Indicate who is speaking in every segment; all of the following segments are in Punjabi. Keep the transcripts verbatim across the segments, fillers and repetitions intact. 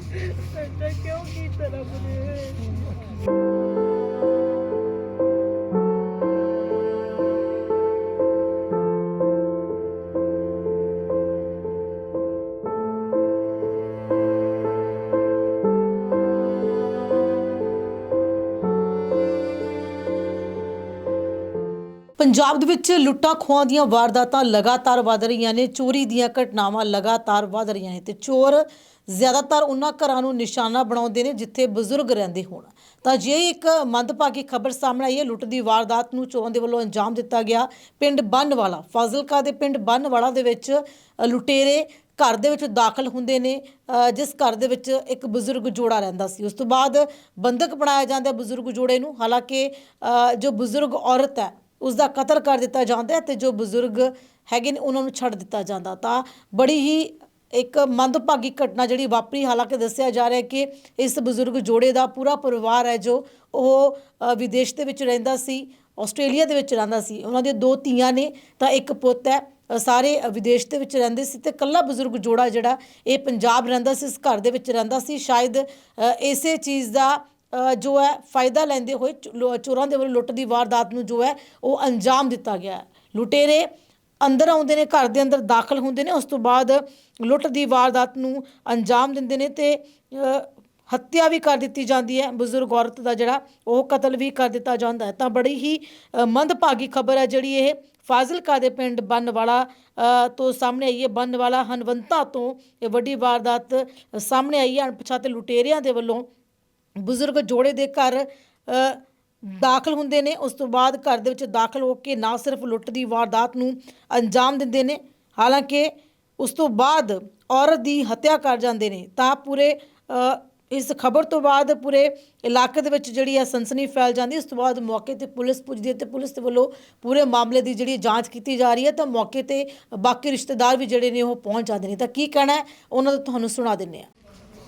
Speaker 1: ऐसा क्यों कीता रब ने।
Speaker 2: ਪੰਜਾਬ ਦੇ ਵਿੱਚ ਲੁੱਟਾਂ ਖੋਹਾਂ ਦੀਆਂ ਵਾਰਦਾਤਾਂ ਲਗਾਤਾਰ ਵਧ ਰਹੀਆਂ ਨੇ। ਚੋਰੀ ਦੀਆਂ ਘਟਨਾਵਾਂ ਲਗਾਤਾਰ ਵਧ ਰਹੀਆਂ ਨੇ ਤੇ ਚੋਰ ਜ਼ਿਆਦਾਤਰ ਉਹਨਾਂ ਘਰਾਂ ਨੂੰ ਨਿਸ਼ਾਨਾ ਬਣਾਉਂਦੇ ਨੇ ਜਿੱਥੇ ਬਜ਼ੁਰਗ ਰਹਿੰਦੇ ਹੋਣ। ਤਾਂ ਜੇ ਇੱਕ ਮੰਦਭਾਗੀ ਖਬਰ ਸਾਹਮਣੇ ਆਈ ਹੈ, ਲੁੱਟ ਦੀ ਵਾਰਦਾਤ ਨੂੰ ਚੋਰਾਂ ਦੇ ਵੱਲੋਂ ਅੰਜਾਮ ਦਿੱਤਾ ਗਿਆ ਪਿੰਡ ਬੰਨਵਾਲਾ, ਫਾਜ਼ਿਲਕਾ ਦੇ ਪਿੰਡ ਬੰਨਵਾਲਾ ਦੇ ਵਿੱਚ ਅ, ਲੁਟੇਰੇ ਘਰ ਦੇ ਵਿੱਚ ਦਾਖਲ ਹੁੰਦੇ ਨੇ, ਅ, ਜਿਸ ਘਰ ਦੇ ਵਿੱਚ ਇੱਕ ਬਜ਼ੁਰਗ ਜੋੜਾ ਰਹਿੰਦਾ ਸੀ। ਉਸ ਤੋਂ ਬਾਅਦ ਬੰਦਕ ਬਣਾਇਆ ਜਾਂਦਾ ਬਜ਼ੁਰਗ ਜੋੜੇ ਨੂੰ। ਹਾਲਾਂਕਿ ਅ, ਜੋ ਬਜ਼ੁਰਗ ਔਰਤ ਹੈ ਉਸ ਦਾ ਕਤਲ ਕਰ ਦਿੱਤਾ ਜਾਂਦਾ ਹੈ ਤੇ ਜੋ ਬਜ਼ੁਰਗ ਹੈਗੇ ਨੇ ਉਹਨਾਂ ਨੂੰ ਛੱਡ ਦਿੱਤਾ ਜਾਂਦਾ। ਤਾਂ ਬੜੀ ਹੀ ਇੱਕ ਮੰਦਭਾਗੀ ਘਟਨਾ ਜਿਹੜੀ ਵਾਪਰੀ। ਹਾਲਾਂਕਿ ਦੱਸਿਆ ਜਾ ਰਿਹਾ ਹੈ ਕਿ ਇਸ ਬਜ਼ੁਰਗ ਜੋੜੇ ਦਾ ਪੂਰਾ ਪਰਿਵਾਰ ਹੈ ਜੋ ਉਹ ਅ, ਵਿਦੇਸ਼ ਦੇ ਵਿੱਚ ਰਹਿੰਦਾ ਸੀ, ਆਸਟ੍ਰੇਲੀਆ ਦੇ ਵਿੱਚ ਰਹਿੰਦਾ ਸੀ। ਉਹਨਾਂ ਦੀਆਂ ਦੋ ਧੀਆਂ ਨੇ ਤਾਂ ਇੱਕ ਪੁੱਤ ਹੈ। ਅ, ਸਾਰੇ ਵਿਦੇਸ਼ ਦੇ ਵਿੱਚ ਰਹਿੰਦੇ ਸੀ ਤੇ ਇਕੱਲਾ ਬਜ਼ੁਰਗ ਜੋੜਾ ਜਿਹੜਾ ਇਹ ਪੰਜਾਬ ਰਹਿੰਦਾ ਸੀ, ਇਸ ਘਰ ਦੇ ਵਿੱਚ ਰਹਿੰਦਾ ਸੀ। ਸ਼ਾਇਦ ਅ, ਇਸੇ ਚੀਜ਼ ਦਾ ਅ, ਜੋ ਹੈ ਫਾਇਦਾ ਲੈਂਦੇ ਹੋਏ ਚੋ- ਚੋਰਾਂ ਦੇ ਵੱਲੋਂ ਲੁੱਟ ਦੀ ਵਾਰਦਾਤ ਨੂੰ ਜੋ ਹੈ ਉਹ ਅੰਜਾਮ ਦਿੱਤਾ ਗਿਆ ਹੈ। ਲੁਟੇਰੇ ਅੰਦਰ ਆਉਂਦੇ ਨੇ, ਘਰ ਦੇ ਅੰਦਰ ਦਾਖਲ ਹੁੰਦੇ ਨੇ, ਉਸ ਤੋਂ ਬਾਅਦ ਲੁੱਟ ਦੀ ਵਾਰਦਾਤ ਨੂੰ ਅੰਜਾਮ ਦਿੰਦੇ ਨੇ ਤੇ ਅ, ਹੱਤਿਆ ਵੀ ਕਰ ਦਿੱਤੀ ਜਾਂਦੀ ਹੈ। ਬਜ਼ੁਰਗ ਔਰਤ ਦਾ ਜਿਹੜਾ ਉਹ ਕਤਲ ਵੀ ਕਰ ਦਿੱਤਾ ਜਾਂਦਾ ਹੈ। ਤਾਂ ਬੜੀ ਹੀ ਅ, ਮੰਦਭਾਗੀ ਖਬਰ ਹੈ ਜਿਹੜੀ ਇਹ ਫਾਜ਼ਿਲਕਾ ਦੇ ਪਿੰਡ ਬੰਨਵਾਲਾ ਅ, ਤੋਂ ਸਾਹਮਣੇ ਆਈ ਹੈ। ਬੰਨਵਾਲਾ ਹਨਵੰਤਾ ਤੋਂ ਇਹ ਵੱਡੀ ਵਾਰਦਾਤ ਸਾਹਮਣੇ ਆਈ ਹੈ। ਅਣਪਛਾਤੇ ਲੁਟੇਰਿਆਂ ਦੇ ਵੱਲੋਂ ਬਜ਼ੁਰਗ ਜੋੜੇ ਦੇ ਘਰ ਅ, ਦਾਖਲ ਹੁੰਦੇ ਨੇ। ਉਸ ਤੋਂ ਬਾਅਦ ਘਰ ਦੇ ਵਿੱਚ ਦਾਖਲ ਹੋ ਕੇ ਨਾ ਸਿਰਫ ਲੁੱਟ ਦੀ ਵਾਰਦਾਤ ਨੂੰ ਅੰਜਾਮ ਦਿੰਦੇ ਨੇ, ਹਾਲਾਂਕਿ ਉਸ ਤੋਂ ਬਾਅਦ ਔਰਤ ਦੀ ਹੱਤਿਆ ਕਰ ਜਾਂਦੇ ਨੇ। ਤਾਂ ਪੂਰੇ ਅ, ਇਸ ਖਬਰ ਤੋਂ ਬਾਅਦ ਪੂਰੇ ਇਲਾਕੇ ਦੇ ਵਿੱਚ ਜਿਹੜੀ ਹੈ ਸਨਸਨੀ ਫੈਲ ਜਾਂਦੀ। ਉਸ ਤੋਂ ਬਾਅਦ ਮੌਕੇ ਤੇ ਪੁਲਿਸ ਪੁੱਜਦੀ ਹੈ ਤੇ ਪੁਲਿਸ ਦੇ ਵੱਲੋਂ ਪੂਰੇ ਮਾਮਲੇ ਦੀ ਜਿਹੜੀ ਜਾਂਚ ਕੀਤੀ ਜਾ ਰਹੀ ਹੈ। ਤਾਂ ਮੌਕੇ ਤੇ ਬਾਕੀ ਰਿਸ਼ਤੇਦਾਰ ਵੀ ਜਿਹੜੇ ਨੇ ਉਹ ਪਹੁੰਚ ਜਾਂਦੇ ਨੇ। ਤਾਂ ਕੀ ਕਹਿਣਾ ਹੈ ਉਹਨਾਂ ਦਾ ਤੁਹਾਨੂੰ ਸੁਣਾ ਦਿੰਦੇ ਹਾਂ।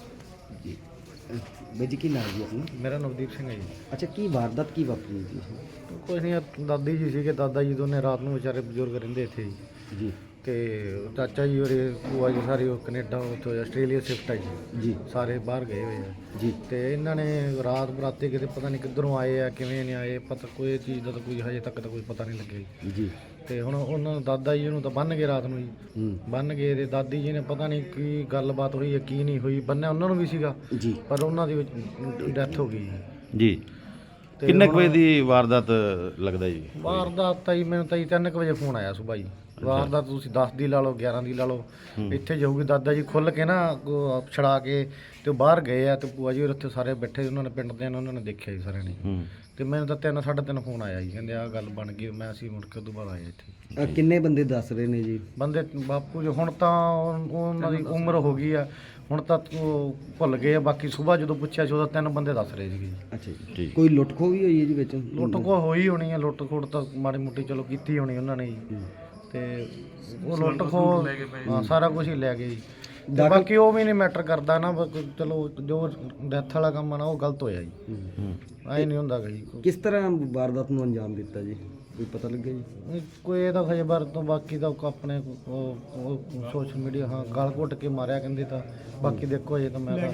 Speaker 3: ਬਾਈ ਜੀ ਕੀ ਨਾਮ ਜੀ ਆਪਣਾ?
Speaker 4: ਮੇਰਾ ਨਵਦੀਪ ਸਿੰਘ ਹੈ ਜੀ।
Speaker 3: ਅੱਛਾ, ਕੀ ਵਾਰਦਾਤ ਕੀ ਵਾਪਰੀ ਜੀ?
Speaker 4: ਕੁਛ ਨਹੀਂ, ਆਹ ਦਾਦੀ ਜੀ ਸੀਗੇ, ਦਾਦਾ ਜੀ ਦੋਨੇ ਰਾਤ ਨੂੰ ਵਿਚਾਰੇ ਬਜ਼ੁਰਗ ਰਹਿੰਦੇ ਇੱਥੇ ਜੀ।
Speaker 3: ਜੀ
Speaker 4: ਤੇ ਚਾਚਾ ਜੀ ਔਰ ਭੂਆ ਜੀ ਸਾਰੇ ਉਹ ਕੈਨੇਡਾ ਉੱਥੇ ਆਸਟ੍ਰੇਲੀਆ ਸ਼ਿਫਟ ਹੈ ਜੀ।
Speaker 3: ਜੀ
Speaker 4: ਸਾਰੇ ਬਾਹਰ ਗਏ ਹੋਏ ਆ
Speaker 3: ਜੀ
Speaker 4: ਤੇ ਇਹਨਾਂ ਨੇ ਰਾਤ ਬਰਾਤੇ ਕਿਤੇ ਪਤਾ ਨਹੀਂ ਕਿੱਧਰੋਂ ਆਏ ਆ, ਕਿਵੇਂ ਨਹੀਂ ਆਏ, ਪਤਾ ਕੋਈ ਚੀਜ਼ ਦਾ ਤਾਂ ਕੋਈ ਹਜੇ ਤੱਕ ਤਾਂ ਕੋਈ ਪਤਾ ਨਹੀਂ ਲੱਗਿਆ ਜੀ।
Speaker 3: ਜੀ
Speaker 4: ਤੇ ਹੁਣ ਉਹਨਾਂ ਨੂੰ ਦਾਦਾ ਜੀ ਨੂੰ ਤਾਂ ਬੰਨ ਗਏ ਰਾਤ ਨੂੰ ਜੀ।
Speaker 3: ਹੂੰ
Speaker 4: ਬੰਨ ਗਏ ਤੇ ਦਾਦੀ ਜੀ ਨੇ ਪਤਾ ਨਹੀਂ ਕੀ ਗੱਲਬਾਤ ਹੋਈ ਹੈ ਕੀ ਨਹੀਂ ਹੋਈ। ਬੰਨਿਆ ਉਹਨਾਂ ਨੂੰ ਵੀ ਸੀਗਾ
Speaker 3: ਜੀ
Speaker 4: ਪਰ ਉਹਨਾਂ ਦੀ ਡੈਥ ਹੋ ਗਈ ਜੀ।
Speaker 5: ਜੀ
Speaker 4: ਤੇ
Speaker 5: ਕਿੰਨੇ ਕੁ
Speaker 4: ਹੁਣ-
Speaker 5: ਵਜੇ ਦੀ ਵਾਰਦਾਤ ਲੱਗਦਾ ਜੀ?
Speaker 4: ਵਾਰਦਾਤ ਤਾਂ ਜੀ ਮੈਨੂੰ ਤਾਂ ਜੀ ਤਿੰਨ ਕੁ ਵਜੇ ਫੋਨ ਆਇਆ ਸੁਬਾਹ ਜੀ। ਵਾਰਦਾਤ ਤੁਸੀਂ ਦਸ ਦੀ ਲਾ ਲਓ, ਗਿਆਰਾਂ ਦੀ ਲਾ ਲਓ, ਇੱਥੇ ਜਾਊਗੀ ਦਾਦਾ ਜੀ ਖੁੱਲ ਕੇ ਨਾ ਉਹ ਛੜਾ ਕੇ ਤੇ ਉਹ ਬਾਹਰ ਗਏ ਆ ਤੇ ਭੂਆ ਜੀ ਹੋਰ ਉੱਥੇ ਸਾਰੇ ਬੈਠੇ, ਉਹਨਾਂ ਨੇ ਪਿੰਡ ਦੇ ਨੇ, ਉਹਨਾਂ ਨੇ ਦੇਖਿਆ ਜੀ ਸਾਰਿਆਂ ਨੇ।
Speaker 5: ਹੂੰ
Speaker 4: ਤੇ ਮੈਨੂੰ ਤਾਂ ਤਿੰਨ ਸਾਢੇ ਤਿੰਨ ਫੋਨ ਆਇਆ ਜੀ, ਕਹਿੰਦੇ ਆਹ ਗੱਲ ਬਣ ਗਈ। ਮੈਂ ਅਸੀਂ ਮੁੜ ਕੇ ਉਦੋਂ ਬਾਅਦ ਆਏ ਇੱਥੇ।
Speaker 3: ਅਹ ਕਿੰਨੇ ਬੰਦੇ ਦੱਸ ਰਹੇ ਨੇ ਜੀ?
Speaker 4: ਬੰਦੇ ਬਾਪੂ ਜੀ ਹੁਣ ਤਾਂ ਉਹ- ਉਹਨਾਂ ਦੀ ਉਮਰ ਹੋ ਗਈ ਆ, ਹੁਣ ਤਾਂ ਉਹ ਭੁੱਲ ਗਏ ਆ। ਬਾਕੀ ਸੁਬਾਹ ਜਦੋਂ ਪੁੱਛਿਆ ਸੀ ਉਦੋਂ ਤਿੰਨ ਬੰਦੇ ਦੱਸ ਰਹੇ ਸੀਗੇ ਜੀ।
Speaker 3: ਅੱਛਾ ਜੀ,
Speaker 5: ਠੀਕ।
Speaker 3: ਕੋਈ ਲੁੱਟ ਖੋਹ ਵੀ ਹੋਈ ਹੈ ਜੀ ਵਿੱਚ?
Speaker 4: ਲੁੱਟ ਖੋਹ ਹੋਈ ਹੋਣੀ ਆ, ਲੁੱਟ ਖੋਟ ਤਾਂ ਮਾੜੀ ਮੋਟੀ ਚਲੋ ਕੀਤੀ ਹੋਣੀ ਉਹਨਾਂ ਨੇ ਜੀ। ਤੇ ਉਹ ਲੁੱਟ ਖੋਹ ਹਾਂ ਸਾਰਾ ਕੁਝ ਹੀ ਲੈ ਗਏ ਜੀ। ਤੇ ਬਾਕੀ ਉਹ ਵੀ ਨਹੀਂ ਮੈਟਰ ਕਰਦਾ ਨਾ, ਬਸ ਚਲੋ ਜੋ ਡੈਥ ਵਾਲਾ ਕੰਮ ਆ ਨਾ ਉਹ ਗਲਤ ਹੋਇਆ ਜੀ।
Speaker 5: ਹੂੰ
Speaker 4: ਐ ਨਹੀਂ ਹੁੰਦਾ ਗਾ ਜੀ।
Speaker 3: ਕਿਸ ਤਰ੍ਹਾਂ ਵਾਰਦਾਤ ਨੂੰ ਅੰਜਾਮ ਦਿੱਤਾ ਜੀ, ਕੋਈ ਪਤਾ ਲੱਗਿਆ ਜੀ?
Speaker 4: ਕੋਈ ਇਹਦਾ ਖਜੇ ਬਾਰ ਤੋਂ ਬਾਕੀ ਦਾ ਆਪਣੇ ਸੋਸ਼ਲ ਮੀਡੀਆ ਹਾਂ ਗਲ ਘੁੱਟ ਕੇ ਮਾਰਿਆ ਕਹਿੰਦੇ। ਤਾਂ ਬਾਕੀ ਦੇਖੋ ਅਜੇ ਤਾਂ ਮੈਂ ਤਾਂ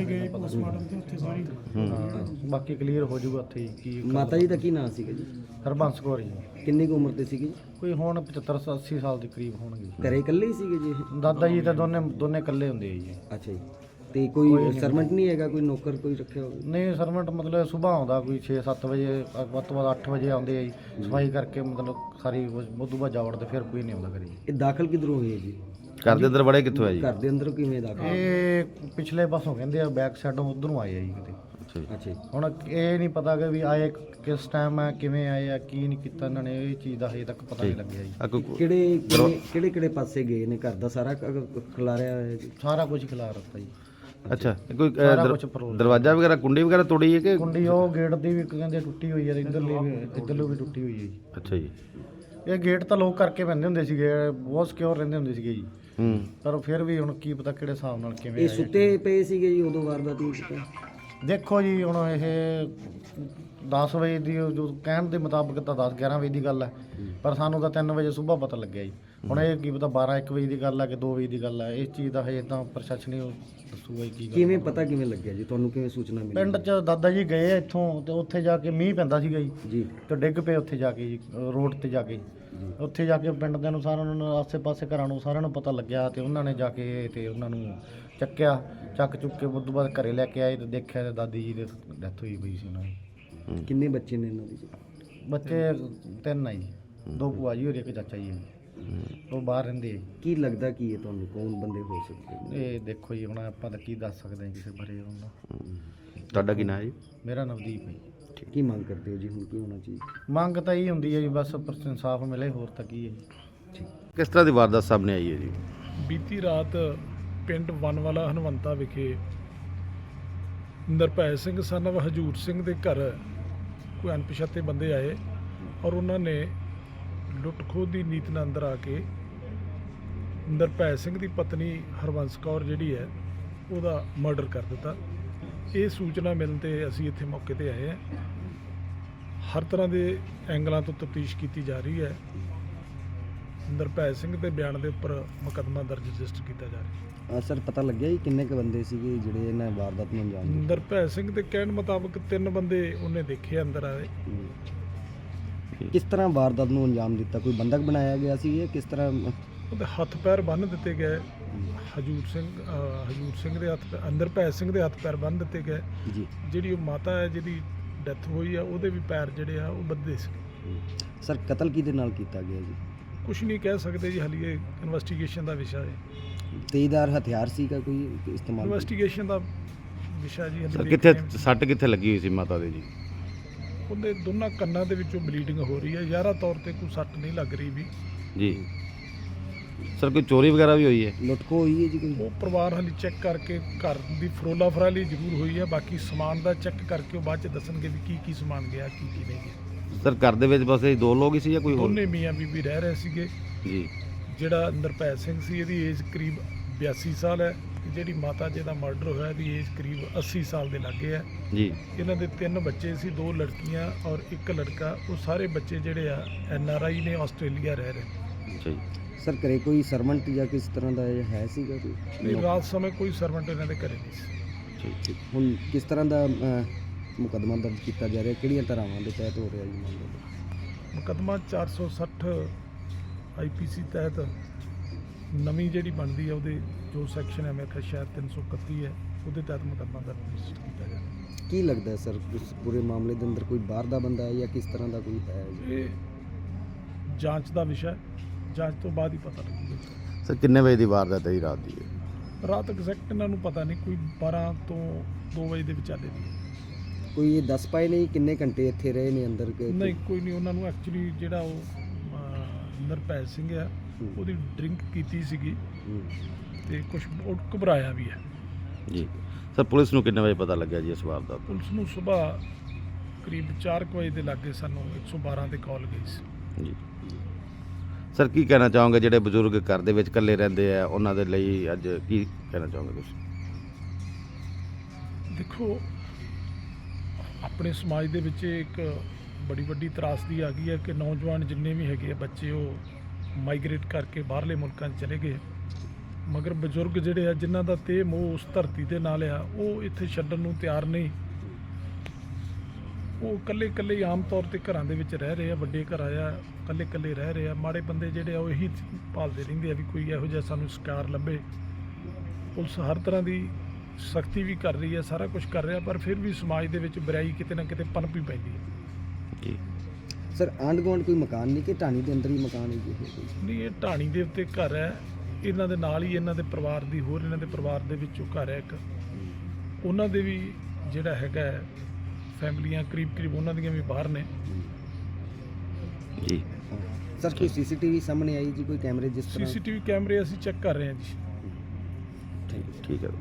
Speaker 4: ਹਾਂ, ਬਾਕੀ ਕਲੀਅਰ ਹੋ ਜਾਊਗਾ ਉੱਥੇ ਹੀ ਕੀ
Speaker 3: ਮਾਤਾ ਜੀ ਦਾ ਕੀ ਨਾਮ ਸੀਗਾ ਜੀ?
Speaker 4: ਹਰਬੰਸ ਕੌਰ ਜੀ।
Speaker 3: ਕਿੰਨੀ ਕੁ ਉਮਰ ਦੇ ਸੀਗੇ ਜੀ?
Speaker 4: ਕੋਈ ਹੁਣ ਪਚੱਤਰ ਅੱਸੀ ਸਾਲ ਦੇ ਕਰੀਬ ਹੋਣਗੇ।
Speaker 3: ਘਰੇ ਇਕੱਲੇ ਹੀ ਸੀਗੇ ਜੀ ਇਹ?
Speaker 4: ਦਾਦਾ ਜੀ ਤਾਂ ਦੋਨੇ ਦੋਨੇ ਇਕੱਲੇ ਹੁੰਦੇ ਆ ਜੀ।
Speaker 3: ਅੱਛਾ ਜੀ, ਤੇ ਕੋਈ ਸਰਵੈਂਟ ਨਹੀਂ ਹੈਗਾ, ਕੋਈ ਨੌਕਰ ਕੋਈ ਰੱਖਿਆ ਹੋਵੇ?
Speaker 4: ਨਹੀਂ ਸਰਵੈਂਟ ਮਤਲਬ ਸੁਬਾਹ ਆਉਂਦਾ ਕੋਈ ਛੇ ਸੱਤ ਵਜੇ, ਵੱਧ ਤੋਂ ਵੱਧ ਅੱਠ ਵਜੇ ਆਉਂਦੇ ਆ ਜੀ। ਸਫਾਈ ਕਰਕੇ ਮਤਲਬ ਸਾਰੀ ਉਦੋਂ ਬਾਅਦ ਜਾਵੜ ਤੇ ਫਿਰ ਕੋਈ ਨਹੀਂ ਆਉਂਦਾ ਕਰੀ।
Speaker 3: ਇਹ ਦਾਖਲ ਕਿੱਧਰੋਂ ਹੋਏ ਜੀ?
Speaker 5: ਘਰ ਦੇ ਅੰਦਰ ਵੜੇ ਕਿੱਥੋਂ ਆ ਜੀ?
Speaker 3: ਘਰ ਦੇ ਅੰਦਰ ਕਿਵੇਂ ਦਾਖਲ?
Speaker 4: ਇਹ ਪਿਛਲੇ ਪਾਸੋਂ ਕਹਿੰਦੇ ਆ ਬੈਕ ਸਾਈਡੋਂ ਉਧਰੋਂ ਆਏ ਆ ਜੀ ਕਿਤੇ।
Speaker 5: ਅੱਛਾ ਜੀ।
Speaker 3: ਅੱਛਾ ਜੀ,
Speaker 4: ਹੁਣ ਇਹ ਨਹੀਂ ਪਤਾ ਕਿ ਵੀ ਆਏ ਕਿਸ ਟਾਈਮ ਆ, ਕਿਵੇਂ ਆਏ ਆ, ਕੀ ਨਹੀਂ ਕੀਤਾ ਇਹਨਾਂ ਨੇ, ਇਹ ਚੀਜ਼ ਦਾ ਹਜੇ ਤੱਕ ਪਤਾ ਨਹੀਂ ਲੱਗਿਆ ਜੀ।
Speaker 5: ਆ ਕੋਈ
Speaker 3: ਕਿਹੜੇ ਕਿਹੜੇ ਕਿਹੜੇ ਕਿਹੜੇ ਪਾਸੇ ਗਏ ਨੇ? ਘਰ ਦਾ ਸਾਰਾ ਕ- ਖਿਲਾਰਿਆ ਹੋਇਆ ਜੀ?
Speaker 4: ਸਾਰਾ ਕੁਝ ਖਿਲਾ ਰੱਖਤਾ ਜੀ।
Speaker 5: ਅੱਛਾ ਕੋਈ ਅ,
Speaker 4: ਸਾਰਾ
Speaker 5: ਦਰ-
Speaker 4: ਕੁਛ ਫਰੋਲ।
Speaker 5: ਦਰਵਾਜ਼ਾ ਵਗੈਰਾ ਕੁੰਡੀ ਵਗੈਰਾ ਤੋੜੀ ਹੈ ਕਿ?
Speaker 4: ਕੁੰਡੀ ਉਹ ਗੇਟ ਦੀ ਵੀ ਕਹਿੰਦੇ ਟੁੱਟੀ ਹੋਈ ਹੈ ਤੇ ਇੱਧਰਲੀ ਵੀ ਇੱਧਰਲੀ ਵੀ ਟੁੱਟੀ ਹੋਈ ਹੈ ਜੀ।
Speaker 5: ਅੱਛਾ ਜੀ।
Speaker 4: ਇਹ ਗੇਟ ਤਾਂ ਲੋਕ ਕਰਕੇ ਪੈਂਦੇ ਹੁੰਦੇ ਸੀਗੇ, ਬਹੁਤ ਸਿਕਿਉਰ ਰਹਿੰਦੇ ਹੁੰਦੇ ਸੀਗੇ ਜੀ।
Speaker 5: ਹੂੰ
Speaker 4: ਪਰ ਫਿਰ ਵੀ ਹੁਣ ਕੀ ਪਤਾ ਕਿਹੜੇ ਹਿਸਾਬ ਨਾਲ ਕਿਵੇਂ
Speaker 3: ਇਹ
Speaker 4: ਆਏ।
Speaker 3: ਸੁੱਤੇ ਪਏ ਸੀਗੇ ਜੀ ਉਦੋਂ ਵਾਰਦਾਤ ਨਹੀਂ ਕੀਤਾ?
Speaker 4: ਦੇਖੋ ਜੀ ਹੁਣ ਇਹ ਦਸ ਵਜੇ ਦੀ ਜੋ ਕਹਿਣ ਦੇ ਮੁਤਾਬਕ ਤਾਂ ਦਸ ਗਿਆਰਾਂ ਵਜੇ ਦੀ ਗੱਲ ਹੈ, ਪਰ ਸਾਨੂੰ ਤਾਂ ਤਿੰਨ ਵਜੇ ਸਵੇਰ ਪਤਾ ਲੱਗਿਆ ਜੀ। ਹੁਣ ਇਹ ਕੀ ਪਤਾ ਬਾਰਾਂ ਇੱਕ ਵਜੇ ਦੀ ਗੱਲ ਹੈ ਕਿ ਦੋ ਵਜੇ ਦੀ ਗੱਲ ਹੈ, ਇਸ ਚੀਜ਼ ਦਾ ਹਜੇ ਤਾਂ ਪ੍ਰਸ਼ਾਸਨ ਹੀ ਦੱਸੂਗਾ ਜੀ ਕੀ ਗੱਲ।
Speaker 3: ਕਿਵੇਂ ਪਤਾ ਕਿਵੇਂ ਲੱਗਿਆ ਜੀ ਤੁਹਾਨੂੰ, ਕਿਵੇਂ ਸੂਚਨਾ ਮਿਲੀ?
Speaker 4: ਪਿੰਡ 'ਚ ਦਾਦਾ ਜੀ ਗਏ ਆ ਇੱਥੋਂ ਤੇ ਉੱਥੇ ਜਾ ਕੇ ਮੀਂਹ ਪੈਂਦਾ ਸੀਗਾ ਜੀ
Speaker 3: ਜੀ
Speaker 4: ਤੇ ਡਿੱਗ ਪਏ ਉੱਥੇ ਜਾ ਕੇ ਜੀ ਰੋਡ ਤੇ ਜਾ ਕੇ। ਉੱਥੇ ਜਾ ਕੇ ਪਿੰਡ ਦੇ ਨੂੰ ਸਾਰਿਆਂ ਨੂੰ ਆਸੇ-ਪਾਸੇ ਘਰਾਂ ਨੂੰ ਸਾਰਿਆਂ ਨੂੰ ਪਤਾ ਲੱਗਿਆ ਤੇ ਉਹਨਾਂ ਨੇ ਜਾ ਕੇ ਤੇ ਉਹਨਾਂ ਨੂੰ ਚੱਕਿਆ, ਚੱਕ ਚੁੱਕ ਕੇ ਉਸ ਤੋਂ ਬਾਅਦ ਘਰੇ ਲੈ ਕੇ ਆਏ ਤੇ ਦੇਖਿਆ ਤੇ ਦਾਦੀ ਜੀ ਦੀ ਡੈਥ ਹੋਈ ਪਈ ਸੀ ਉਹਨਾਂ ਦੀ।
Speaker 3: ਕਿੰਨੇ ਬੱਚੇ ਨੇ ਇਹਨਾਂ ਦੇ ਜੀ?
Speaker 4: ਬੱਚੇ ਤਿੰਨ ਆ ਜੀ, ਦੋ ਭੂਆ ਜੀ ਔਰ ਇੱਕ ਚਾਚਾ ਜੀ ਹੈ ਜੀ। ਉਹ ਬਾਹਰ ਰਹਿੰਦੇ ਆ ਜੀ।
Speaker 3: ਕੀ ਲੱਗਦਾ ਕੀ ਹੈ ਤੁਹਾਨੂੰ, ਕੌਣ ਬੰਦੇ ਹੋ ਸਕਦੇ ਨੇ?
Speaker 4: ਇਹ ਦੇਖੋ ਜੀ ਹੁਣ ਆਪਾਂ ਤਾਂ ਕੀ ਦੱਸ ਸਕਦੇ ਹਾਂ ਕਿਸੇ ਬਾਰੇ ਉਹਨਾਂ।
Speaker 5: ਤੁਹਾਡਾ ਕੀ ਨਾਂ ਹੈ ਜੀ?
Speaker 4: ਮੇਰਾ ਨਵਦੀਪ ਹੈ ਜੀ।
Speaker 3: ਕੀ ਮੰਗ ਕਰਦੇ ਹੋ ਜੀ, ਹੁਣ ਕੀ ਹੋਣਾ ਚਾਹੀਦਾ?
Speaker 4: ਮੰਗ ਤਾਂ ਇਹ ਹੁੰਦੀ ਹੈ ਜੀ ਬਸ ਇਨਸਾਫ ਮਿਲੇ, ਹੋਰ ਤਾਂ ਕੀ ਹੈ ਜੀ।
Speaker 5: ਕਿਸ ਤਰ੍ਹਾਂ ਦੀ ਵਾਰਦਾਤ ਸਾਹਮਣੇ ਆਈ ਹੈ ਜੀ?
Speaker 1: ਬੀਤੀ ਰਾਤ ਪਿੰਡ ਵਨਵਾਲਾ ਹਨਵੰਤਾ ਵਿਖੇ ਨਿਰਭੈ ਸਿੰਘ ਸਨ of ਹਜੂਰ ਸਿੰਘ ਦੇ ਘਰ ਕੋਈ ਅਣਪਛਾਤੇ ਬੰਦੇ ਆਏ ਔਰ ਉਹਨਾਂ ਨੇ ਲੁੱਟ ਖੋਹ ਦੀ ਨੀਤ ਨਾਲ ਅੰਦਰ ਆ ਕੇ ਨਿਰਭੈ ਸਿੰਘ ਦੀ ਪਤਨੀ ਹਰਬੰਸ ਕੌਰ ਜਿਹੜੀ ਹੈ ਉਹਦਾ ਮਰਡਰ ਕਰ ਦਿੱਤਾ। ਇਹ ਸੂਚਨਾ ਮਿਲਣ 'ਤੇ ਅਸੀਂ ਇੱਥੇ ਮੌਕੇ 'ਤੇ ਆਏ ਹਾਂ। ਹਰ ਤਰ੍ਹਾਂ ਦੇ ਐਂਗਲਾਂ ਤੋਂ ਤਫਤੀਸ਼ ਕੀਤੀ ਜਾ ਰਹੀ ਹੈ। ਨਿਰਭੈ ਸਿੰਘ ਦੇ ਬਿਆਨ ਦੇ ਉੱਪਰ ਮੁਕੱਦਮਾ ਦਰਜ ਰਜਿਸਟਰ ਕੀਤਾ ਜਾ ਰਿਹਾ ਹੈ।
Speaker 3: ਸਰ ਪਤਾ ਲੱਗਿਆ ਜੀ ਕਿੰਨੇ ਕੁ ਬੰਦੇ ਸੀਗੇ ਜਿਹੜੇ ਇਹਨਾਂ ਵਾਰਦਾਤ ਨੂੰ ਅੰਜਾਮ ਦਿੱਤਾ?
Speaker 1: ਨਿਰਭੈ ਸਿੰਘ ਦੇ ਕਹਿਣ ਮੁਤਾਬਕ ਤਿੰਨ ਬੰਦੇ ਉਹਨੇ ਦੇਖੇ ਅੰਦਰ ਆਏ।
Speaker 3: ਕਿਸ ਤਰ੍ਹਾਂ ਵਾਰਦਾਤ ਨੂੰ ਅੰਜਾਮ ਦਿੱਤਾ? ਕੋਈ ਬੰਦਕ ਬਣਾਇਆ ਗਿਆ ਸੀ ਜਾਂ ਕਿਸ ਤਰ੍ਹਾਂ?
Speaker 1: ਉਹਦੇ ਹੱਥ ਪੈਰ ਬੰਨ੍ਹ ਦਿੱਤੇ ਗਏ। ਹਜੂਰ ਸਿੰਘ ਅਹ ਹਜੂਰ ਸਿੰਘ ਦੇ ਹੱਥ ਪੈ- ਨਿਰਭੈ ਸਿੰਘ ਦੇ ਹੱਥ ਪੈਰ ਬੰਨ੍ਹ ਦਿੱਤੇ ਗਏ।
Speaker 3: ਜੀ
Speaker 1: ਜਿਹੜੀ ਉਹ ਮਾਤਾ ਹੈ ਜਿਹਦੀ ਡੈਥ ਹੋਈ ਆ ਉਹਦੇ ਵੀ ਪੈਰ ਜਿਹੜੇ ਆ ਉਹ ਬੱਧੇ ਸੀ।
Speaker 3: ਸਰ ਕਤਲ ਕਿਹਦੇ ਨਾਲ ਕੀਤਾ ਗਿਆ ਜੀ?
Speaker 1: ਕੁਝ ਨਹੀਂ ਕਹਿ ਸਕਦੇ ਜੀ, ਹਾਲੇ ਇਨਵੈਸਟੀਗੇਸ਼ਨ ਦਾ ਵਿਸ਼ਾ ਹੈ।
Speaker 3: ਤੇਜ਼ਦਾਰ ਹਥਿਆਰ ਸੀਗਾ ਕੋਈ ਇਸਤੇਮਾਲ?
Speaker 1: ਇਨਵੈਸਟੀਗੇਸ਼ਨ ਦਾ ਵਿਸ਼ਾ ਜੀ।
Speaker 5: ਸਰ
Speaker 1: ਹਾਲੇ
Speaker 5: ਕਿੱਥੇ
Speaker 1: ਦੇਖਦੇ ਹਾਂ।
Speaker 5: ਸੱਟ ਕਿੱਥੇ ਲੱਗੀ ਹੋਈ ਸੀ ਮਾਤਾ ਦੇ ਜੀ?
Speaker 1: ਉਹਦੇ ਦੋਨਾਂ ਕੰਨਾਂ ਦੇ ਵਿੱਚੋਂ ਬਲੀਡਿੰਗ ਹੋ ਰਹੀ ਹੈ। ਜ਼ਾਹਰਾ ਤੌਰ ਤੇ ਕੋਈ ਸੱਟ ਨਹੀਂ ਲੱਗ ਰਹੀ ਵੀ।
Speaker 5: ਜੀ ਸਰ ਕੋਈ ਚੋਰੀ ਵਗੈਰਾ ਵੀ ਹੋਈ ਹੈ?
Speaker 3: ਲੁੱਟਖੋ ਹੋਈ ਹੈ ਜੀ ਕੋਈ?
Speaker 1: ਉਹ ਪਰਿਵਾਰ ਹਾਲੇ ਚੈੱਕ ਕਰਕੇ ਘਰ ਦੀ ਫਰੋਲਾ ਫਰਾਲੀ ਜ਼ਰੂਰ ਹੋਈ ਹੈ। ਬਾਕੀ ਸਮਾਨ ਦਾ ਚੈੱਕ ਕਰਕੇ ਉਹ ਬਾਅਦ ਚ ਦੱਸਣਗੇ ਵੀ ਕੀ ਕੀ ਸਮਾਨ ਗਿਆ ਕੀ ਕੀ ਨਹੀਂ ਗਿਆ।
Speaker 5: ਸਰ ਘਰ ਦੇ ਵਿੱਚ ਬਸ ਇਹ ਦੋ ਲੋਕ ਹੀ ਸੀ ਜਾਂ ਕੋਈ ਹੋਰ?
Speaker 1: ਦੋਨੇ ਮੀਆਂ ਬੀਬੀ ਰਹਿ ਰਹੇ ਸੀਗੇ।
Speaker 5: ਜੀ
Speaker 1: ਜਿਹੜਾ ਨਿਰਭੈ ਸਿੰਘ ਸੀ ਇਹਦੀ ਏਜ ਕਰੀਬ ਬਿਆਸੀ ਸਾਲ ਹੈ। ਤੇ ਜਿਹੜੀ ਮਾਤਾ ਜਿਹਦਾ ਮਰਡਰ ਹੋਇਆ ਇਹਦੀ ਏਜ ਕਰੀਬ ਅੱਸੀ ਸਾਲ ਦੇ ਲਾਗੇ ਹੈ।
Speaker 5: ਜੀ
Speaker 1: ਇਹਨਾਂ ਦੇ ਤਿੰਨ ਬੱਚੇ ਸੀ, ਦੋ ਲੜਕੀਆਂ ਔਰ ਇੱਕ ਲੜਕਾ। ਉਹ ਸਾਰੇ ਬੱਚੇ ਜਿਹੜੇ ਆ ਐਨ ਆਰ ਆਈ ਨੇ, ਆਸਟ੍ਰੇਲੀਆ ਰਹਿ ਰਹੇ।
Speaker 5: ਅੱਛਾ ਜੀ।
Speaker 3: ਸਰ ਘਰੇ ਕੋਈ ਸਰਵੈਂਟ ਜਾਂ ਕਿਸ ਤਰ੍ਹਾਂ ਦਾ ਇਹ ਹੈ ਸੀਗਾ ਕੋਈ?
Speaker 1: ਨਹੀਂ, ਰਾਤ ਸਮੇਂ ਕੋਈ ਸਰਵੈਂਟ ਇਹਨਾਂ ਦੇ ਘਰੇ ਨਹੀਂ ਸੀ।
Speaker 5: ਠੀਕ ਠੀਕ।
Speaker 3: ਹੁਣ ਕਿਸ ਤਰ੍ਹਾਂ ਦਾ ਅਹ, ਮੁਕੱਦਮਾ ਦਰਜ ਕੀਤਾ ਜਾ ਰਿਹਾ? ਕਿਹੜੀਆਂ ਧਾਰਾਵਾਂ ਦੇ ਤਹਿਤ ਹੋ ਰਿਹਾ ਜੀ ਮਾਮਲਾ?
Speaker 1: ਮੁਕੱਦਮਾ ਚਾਰ ਸੌ ਸੱਠ ਆਈ ਪੀ ਸੀ ਤਹਿਤ ਨਵੀਂ ਜਿਹੜੀ ਬਣਦੀ ਹੈ ਉਹਦੇ ਜੋ ਸੈਕਸ਼ਨ ਹੈ, ਮੇਰੇ ਖਿਆਲ ਸ਼ਾਇਦ ਤਿੰਨ ਸੌ ਇਕੱਤੀ ਹੈ, ਉਹਦੇ ਤਹਿਤ ਮੁਕੱਦਮਾ ਦਰਜ ਰਜਿਸਟਰ ਕੀਤਾ ਜਾ ਰਿਹਾ।
Speaker 3: ਕੀ ਲੱਗਦਾ ਹੈ ਸਰ ਇਸ ਪੂਰੇ ਮਾਮਲੇ ਦੇ ਅੰਦਰ ਕੋਈ ਬਾਹਰ ਦਾ ਬੰਦਾ ਹੈ ਜਾਂ ਕਿਸ ਤਰ੍ਹਾਂ ਦਾ ਕੋਈ ਹੈ ਜੀ?
Speaker 1: ਇਹ ਜਾਂਚ ਦਾ ਵਿਸ਼ਾ ਹੈ। ਜਾਂਚ ਤੋਂ ਬਾਅਦ ਹੀ ਪਤਾ ਲੱਗੇਗਾ।
Speaker 5: ਸਰ ਕਿੰਨੇ ਵਜੇ ਦੀ ਵਾਰਦਾਤ ਹੈ ਜੀ ਰਾਤ ਦੀ ਇਹ?
Speaker 1: ਰਾਤ ਐਗਜ਼ੈਕਟ ਇਹਨਾਂ ਨੂੰ ਪਤਾ ਨਹੀਂ, ਕੋਈ ਬਾਰਾਂ ਤੋਂ ਦੋ ਵਜੇ ਦੇ ਵਿਚਾਲੇ ਦੀ ਹੈ।
Speaker 3: ਕੋਈ ਇਹ ਦੱਸ ਪਾਏ ਨਹੀਂ ਕਿੰਨੇ ਘੰਟੇ ਇੱਥੇ ਰਹੇ ਨੇ ਅੰਦਰ ਕਿ?
Speaker 1: ਨਹੀਂ, ਕੋਈ ਨਹੀਂ। ਉਹਨਾਂ ਨੂੰ ਐਕਚੁਅਲੀ ਜਿਹੜਾ ਉਹ ਅਹ, ਨਿਰਭੈ ਸਿੰਘ ਆ ਉਹਦੀ ਡਰਿੰਕ ਕੀਤੀ ਸੀਗੀ
Speaker 3: ਹੂੰ।
Speaker 1: ਤੇ ਕੁਝ ਉਹ ਘਬਰਾਇਆ ਵੀ ਹੈ।
Speaker 5: ਜੀ ਸਰ ਪੁਲਿਸ ਨੂੰ ਕਿੰਨੇ ਵਜੇ ਪਤਾ ਲੱਗਿਆ ਜੀ ਇਸ ਵਾਰਦਾਤ ਦਾ?
Speaker 1: ਪੁਲਿਸ ਨੂੰ ਸਵੇਰ ਕਰੀਬ ਚਾਰ ਕੁ ਵਜੇ ਦੇ ਲਾਗੇ ਸਾਨੂੰ ਇੱਕ ਸੌ ਬਾਰਾਂ ਤੇ ਕਾਲ ਗਈ ਸੀ।
Speaker 5: ਜੀ ਸਰ ਕੀ ਕਹਿਣਾ ਚਾਹੋਗੇ ਜਿਹੜੇ ਬਜ਼ੁਰਗ ਘਰ ਦੇ ਵਿੱਚ ਇਕੱਲੇ ਰਹਿੰਦੇ ਆ ਉਹਨਾਂ ਦੇ ਲਈ ਅੱਜ ਕੀ ਕਹਿਣਾ ਚਾਹੋਗੇ ਤੁਸੀਂ?
Speaker 1: ਦੇਖੋ, ਆਪਣੇ ਸਮਾਜ ਦੇ ਵਿੱਚ ਇੱਕ ਬੜੀ ਵੱਡੀ ਤਰਾਸਦੀ ਆ ਗਈ ਹੈ ਕਿ ਨੌਜਵਾਨ ਜਿੰਨੇ ਵੀ ਹੈਗੇ ਆ ਬੱਚੇ ਉਹ ਮਾਈਗ੍ਰੇਟ ਕਰਕੇ ਬਾਹਰਲੇ ਮੁਲਕਾਂ 'ਚ ਚਲੇ ਗਏ, ਮਗਰ ਬਜ਼ੁਰਗ ਜਿਹੜੇ ਆ ਜਿਨ੍ਹਾਂ ਦਾ ਤੇ ਮੋਹ ਉਸ ਧਰਤੀ ਦੇ ਨਾਲ ਆ ਉਹ ਇੱਥੇ ਛੱਡਣ ਨੂੰ ਤਿਆਰ ਨਹੀਂ। ਉਹ ਇਕੱਲੇ ਇਕੱਲੇ ਆਮ ਤੌਰ ਤੇ ਘਰਾਂ ਦੇ ਵਿੱਚ ਰਹਿ ਰਹੇ ਆ, ਵੱਡੇ ਘਰ ਆ, ਇਕੱਲੇ ਇਕੱਲੇ ਰਹਿ ਰਹੇ ਆ। ਮਾੜੇ ਬੰਦੇ ਜਿਹੜੇ ਆ ਉਹ ਇਹੀ ਭਾਲਦੇ ਰਹਿੰਦੇ ਆ ਵੀ ਕੋਈ ਇਹੋ ਜਿਹਾ ਸਾਨੂੰ ਸ਼ਿਕਾਰ ਲੱਭੇ। ਪੁਲਿਸ ਹਰ ਤਰ੍ਹਾਂ ਦੀ ਸਖਤੀ ਵੀ ਕਰ ਰਹੀ ਹੈ, ਸਾਰਾ ਕੁਝ ਕਰ ਰਿਹਾ, ਪਰ ਫਿਰ ਵੀ ਸਮਾਜ ਦੇ ਵਿੱਚ ਬੁਰਾਈ ਕਿਤੇ ਨਾ ਕਿਤੇ ਪਨਪੀ ਪੈਂਦੀ ਹੈ।
Speaker 5: ਜੀ
Speaker 3: ਸਰ ਆਂਢ ਗੁਆਂਢ ਕੋਈ ਮਕਾਨ ਨਹੀਂ ਕਿ ਢਾਣੀ ਦੇ ਅੰਦਰ ਹੀ ਮਕਾਨ ਹੈ ਜੀ ਇਹ ਕੋਈ?
Speaker 1: ਨਹੀਂ, ਇਹ ਢਾਣੀ ਦੇ ਉੱਤੇ ਘਰ ਹੈ। ਇਹਨਾਂ ਦੇ ਨਾਲ ਹੀ ਇਹਨਾਂ ਦੇ ਪਰਿਵਾਰ ਦੀ ਹੋਰ ਇਹਨਾਂ ਦੇ ਪਰਿਵਾਰ ਦੇ ਵਿੱਚੋਂ ਘਰ ਹੈ ਇੱਕ। ਉਹਨਾਂ ਦੇ ਵੀ ਜਿਹੜਾ ਹੈਗਾ ਫੈਮਲੀਆਂ ਕਰੀਬ ਕਰੀਬ ਉਹਨਾਂ ਦੀਆਂ ਵੀ ਬਾਹਰ ਨੇ।
Speaker 5: ਜੀ
Speaker 3: ਸਰ ਕੋਈ ਸੀਸੀਟੀਵੀ ਸਾਹਮਣੇ ਆਈ ਜੀ, ਕੋਈ ਕੈਮਰੇ ਜਿਸ ਤਰ੍ਹਾਂ?
Speaker 1: ਸੀਸੀਟੀਵੀ ਕੈਮਰੇ ਅਸੀਂ ਚੈੱਕ ਕਰ ਰਹੇ ਹਾਂ ਜੀ।
Speaker 3: ਠੀਕ ਹੈ।
Speaker 5: ਠੀਕ ਹੈ।